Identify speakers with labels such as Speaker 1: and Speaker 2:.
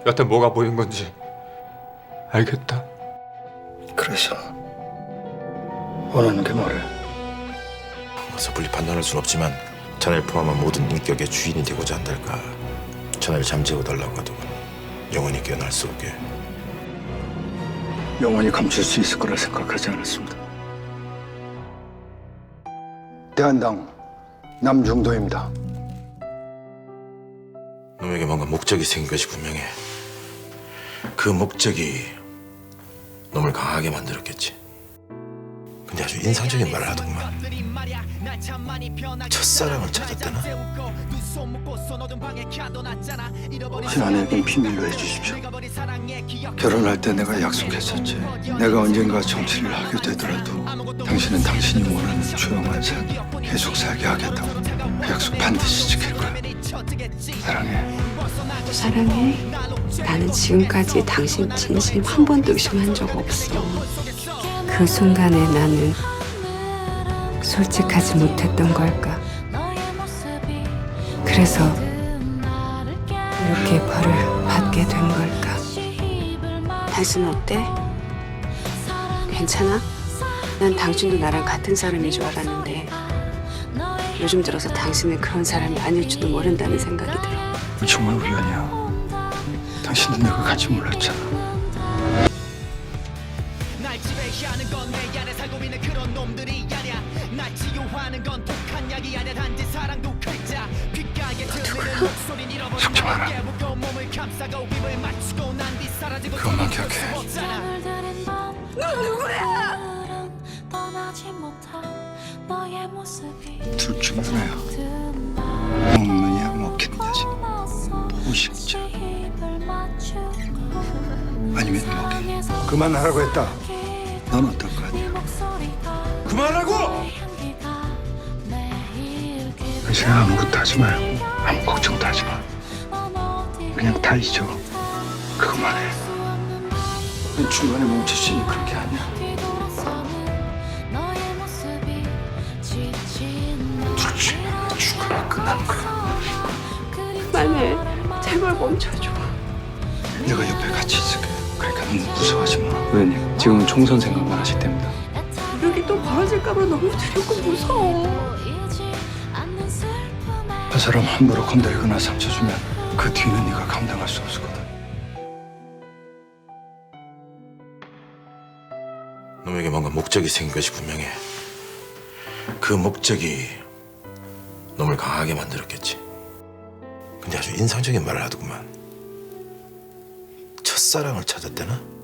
Speaker 1: 여태 뭐가 보인 건지 알겠다.
Speaker 2: 그래서 원하는 게 뭐래?
Speaker 3: 섣불리 판단할 순 없지만 자네를 포함한 모든 인격의 주인이 되고자 한달까. 자네를 잠재워 달라고 하더군. 영원히 깨어날 수 없게.
Speaker 2: 영원히 감출 수 있을 거라 생각하지 않았습니다. 대한당 남중도입니다.
Speaker 3: 놈에게 뭔가 목적이 생긴 것이 분명해. 그 목적이 놈을 강하게 만들었겠지. 근데 아주 인상적인 말을 하더구만. 첫사랑을 찾았다나?
Speaker 2: 신하에겐 비밀로 해주십시오. 결혼할 때 내가 약속했었지. 내가 언젠가 정치를 하게 되더라도 당신은 당신이 원하는 조용한 삶 계속 살게 하겠다고. 그 약속 반드시 지킬 거야. 사랑해.
Speaker 4: 사랑해. 나는 지금까지 당신 진심 한 번도 의심한 적 없어. 그 순간에 나는 솔직하지 못했던 걸까? 그래서 이렇게 벌을 받게 된 걸까? 당신 어때? 괜찮아? 난 당신도 나랑 같은 사람인 줄 알았는데 요즘 들어서 당신은 그런 사람이 아닐지도 모른다는 생각이 들어.
Speaker 2: 정말 우연이야. 당신은 내가 같이 몰랐잖아.
Speaker 5: 날 지배하는 건 내 안에 살고 있는 그런 놈들이 아니야. 날 치유하는 건 독한 약이 아니야. 단지 사랑도 글자 귓가에 들리는 목소리는 잃어버린
Speaker 2: 속지 마라.
Speaker 5: 내 깨우고 몸을 감싸고 입을 맞추고 난 뒤 사라지고
Speaker 2: 그것만 기억해.
Speaker 5: 너 누구야?
Speaker 2: 둘 중 하나야. 먹느냐 먹히는 자식. 보식자. 아니면 먹이. 그만하라고 했다. 넌 어떨 거 아니야?
Speaker 3: 그만하고!
Speaker 2: 당신 아무것도 하지 말고 아무 걱정도 하지 마. 그냥 다 잊어. 그것만 해. 넌 중간에 멈췄으니 그런 게 아니야. 둘 중에 하나 죽으면 끝나는 거야.
Speaker 4: 그만해. 제발 멈춰줘.
Speaker 2: 내가 옆에 같이 있을게. 그러니까 너무 무서워하지 마.
Speaker 1: 의원님, 지금은 총선 생각만 하실 때입니다.
Speaker 4: 여기 또 벌어질까봐 너무 두렵고 무서워.
Speaker 2: 그 사람 함부로 건드리거나 상처 주면 그 뒤는 네가 감당할 수 없거든.
Speaker 3: 놈에게 뭔가 목적이 생긴 것이 분명해. 그 목적이 놈을 강하게 만들었겠지. 근데 아주 인상적인 말을 하더구만. 첫사랑을 찾았다나?